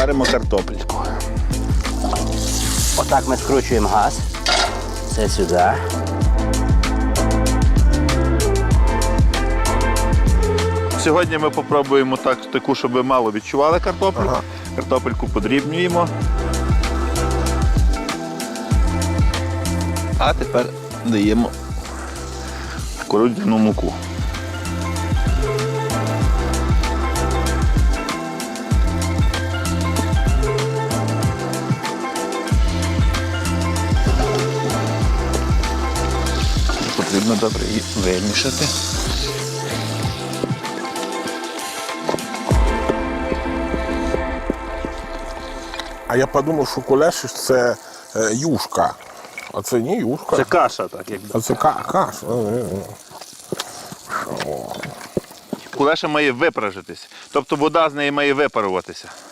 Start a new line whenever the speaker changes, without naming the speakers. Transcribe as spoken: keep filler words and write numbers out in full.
Жаримо картопельку.
Отак ми скручуємо газ. Це сюди.
Сьогодні ми спробуємо так, таку, щоб ви мало відчували картоплю.
Ага.
Картопельку подрібнюємо. А тепер даємо кукурудзяну муку. Потрібно добре її вимішати.
А я подумав, що кулеш це е, юшка. А це не юшка.
Це каша, так якби.
А це ка- каша.
Кулеша має випражитись, тобто вода з неї має випаруватися.